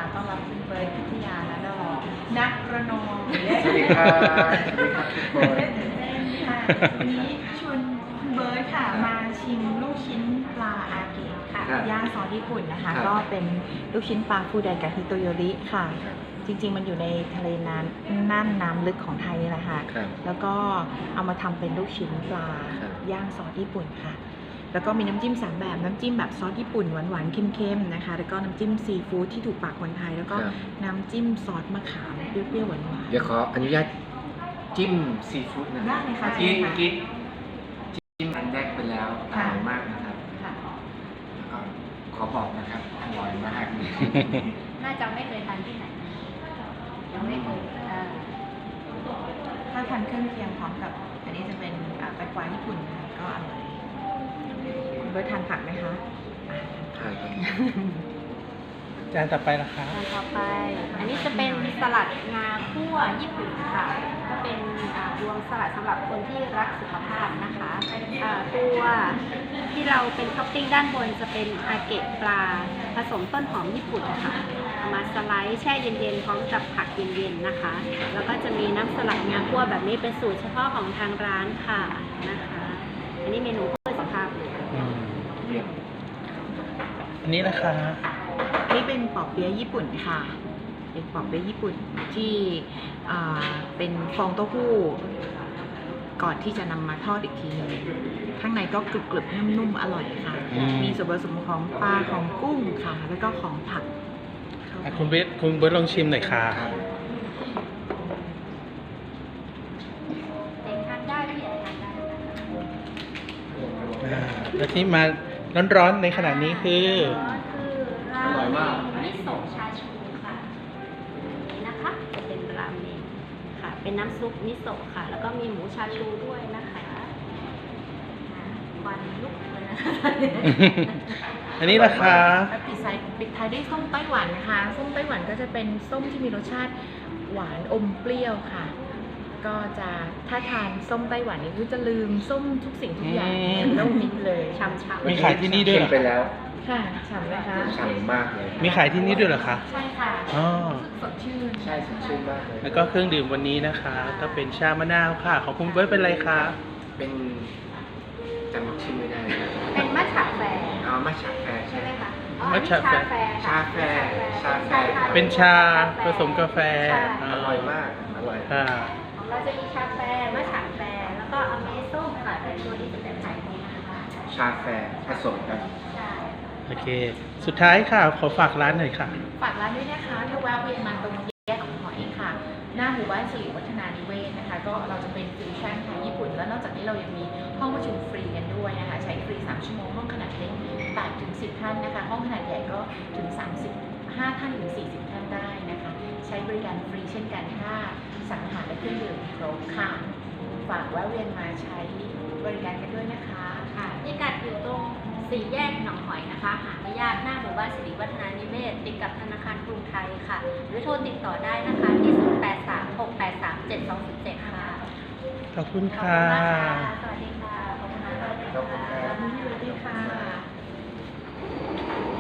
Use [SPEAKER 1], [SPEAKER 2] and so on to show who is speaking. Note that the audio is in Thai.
[SPEAKER 1] ต้อนรับคุณเบิร์ตพิทยาและดอกนักระนอง
[SPEAKER 2] สวัสดีครับสวัสดีครับทุกคน
[SPEAKER 1] ตื่นเต้นค่ะวันนี้ชวนคุณเบิร์ตค่ะมาชิมลูกชิ้นปลาอาเกะค่ะย่างซอสญี่ปุ่นนะคะก็เป็นลูกชิ้นปลาฟูไดกะฮิโตโยริค่ะจริงๆมันอยู่ในทะเลน้ำลึกของไทยนี่แหละค่ะแล้วก็เอามาทำเป็นลูกชิ้นปลาย่างซอสญี่ปุ่นค่ะแล้วก็มีน้ำจิ้ม3แบบน้ำจิ้มแบบซอสญี่ปุ่นหวานๆเค็มๆนะคะแล้วก็น้ำจิ้มซีฟู้ดที่ถูกปากคนไทยแล้วก็น้ำจิ้มซอสมะขามเปรี้ยวๆหวานๆ
[SPEAKER 2] เดี๋ยวขออนุญาตจิ้มซีฟู้ดนะ
[SPEAKER 1] ได้เลยค่ะ
[SPEAKER 2] กินจิ้มอันแรกไปแล้วอร่อยมากนะครับก็ขอบอกนะครับอร่อยมาก
[SPEAKER 3] น่าจะไม่เคยทานที่ไหนยังไม่เคย
[SPEAKER 1] ถ้าทานเครื่องเคียงพร้อมกับอันนี้จะเป็นแตงกวาญี่ปุ่นนะคะก็อร่อยคุณเบิร์ตทานผักไหมคะ
[SPEAKER 2] ใช่ครับ
[SPEAKER 4] จานต่อไปนะคะ
[SPEAKER 3] จานต่อไป อันนี้จะเป็นสลัดงาคั่วญี่ปุ่นค่ะก็เป็นรวมสลัดสำหรับคนที่รักสุขภาพนะคะตัวที่เราเป็นท็อปปิ้งด้านบนจะเป็นอาเกะปลาผสมต้นหอมญี่ปุ่นค่ะเอามาสไลด์แช่เย็นๆพร้อมกับผักเย็นๆนะคะแล้วก็จะมีน้ำสลัดงาคั่วแบบนี้เป็นสูตรเฉพาะของทางร้านค่ะนะคะอันนี้เมนูเพื่อสุขภาพ
[SPEAKER 4] อันนี้นะคะ
[SPEAKER 1] นี่เป็นปอเปี๊ยะญี่ปุ่นค่ะเป็นปอเปี๊ยะญี่ปุ่นที่เป็นฟองเต้าหู้ก่อนที่จะนำมาทอดอีกทีนึงข้างในก็กรึบๆนุ่มๆอร่อยค่ะมีส่วนผสมของปลาของกุ้งค่ะแล้วก็ของผัก
[SPEAKER 4] คุณเบิร์ตลองชิมหน่อยค่ะ
[SPEAKER 3] เด็กทานได้ผู้ใหญ่ทานได้
[SPEAKER 4] แล้วที่มาร้อนๆในขณะนี้คือ
[SPEAKER 3] ราเมงมิโซะชาชูค่ะนี่นะคะจะเป็นราเมงค่ะเป็นน้ำซุปมิโซะค่ะแล้วก็มีหมูชาชูด้วยนะคะควันลุกเลยนะคะ
[SPEAKER 4] อันนี้ราคา
[SPEAKER 1] ปิดท้ายด้วยส้มไต้หวันนะคะส้มไต้หวันก็จะเป็นส้มที่มีรสชาติหวานอมเปรี้ยวค่ะก็จะถ้าทานส้มไต้หวันนี่คือจะลืมส้มทุกสิ่งทุกอย่างต้องมิดเลย
[SPEAKER 3] ช่ำๆ
[SPEAKER 4] มีขายที่นี่ด้วยเหรอ
[SPEAKER 2] ไปแล้ว
[SPEAKER 1] ค่ะฉ่ำไหมคะ
[SPEAKER 2] ฉ่ำมากเลย
[SPEAKER 4] มีขายที่นี่ด้วยเหรอคะ
[SPEAKER 1] ใช่ค่ะ
[SPEAKER 4] อ๋อ
[SPEAKER 1] สดชื่น
[SPEAKER 2] ใช่สดชื่นมากเลย
[SPEAKER 4] แล้วก็เครื่องดื่มวันนี้นะคะก็เป็นชามะนาวค่ะของคุณเบิร์ตเป็นอะไรคะ
[SPEAKER 2] เป็นจำชื่อไม่ได้นะ
[SPEAKER 3] เป็นมัทฉะแฟร์
[SPEAKER 2] มัทฉะแฟร์
[SPEAKER 3] ใช่ไหมคะ
[SPEAKER 4] มัทฉะแฟร์
[SPEAKER 2] ชาแฟร์
[SPEAKER 4] เป็นชาผสมกาแฟ
[SPEAKER 2] อร่อยมากอร่อย
[SPEAKER 3] ของเราจะมีชาแฟร์มัทฉะแฟร์แล้วก็อเมส้มค่ะเป็นตัวที่จะเป็นขายดีนะคะ
[SPEAKER 2] ชาแฟร์ผสมกัน
[SPEAKER 4] โอเคสุดท้ายค่ะขอฝากร้านหน่อยค่ะ
[SPEAKER 1] ฝากร้านด้วยนะคะถ้าแวะเวียนมาตรงแยกหนองหอยค่ะหน้าหมู่บ้านสิริวัฒนานิเวศนะคะก็เราจะเป็นฟิวชั่นค่ะญี่ปุ่นแล้วนอกจากนี้เรายังมีห้องประชุมฟรีกันด้วยนะคะใช้ฟรี3ชั่วโมงห้องขนาดเล็ก8 ถึง 10 ท่านนะคะห้องขนาดใหญ่ก็ถึง35 ท่านถึง40 ท่านได้นะคะใช้บริการฟรีเช่นกันถ้าสั่งอาหารและเครื่องดื่มครบค่ะฝากแวะเวียนมาใช้บริการกันด้วยนะคะ
[SPEAKER 3] ค่ะพิกัดอยู่ตรง4 แยกหนองหอยนะคะหาไม่ยากหน้าหมู่บ้านสิริวัฒนานิเวศติดกับธนาคารกรุงไทยค่ะหรือโทรติดต่อได้นะคะที่0836837207ค่ะ
[SPEAKER 4] ขอบคุณค่ะ
[SPEAKER 3] สวัสดีค่ะขอบคุณค่ะ
[SPEAKER 2] ขอบคุณค่ะ
[SPEAKER 1] สวัสดีค่ะ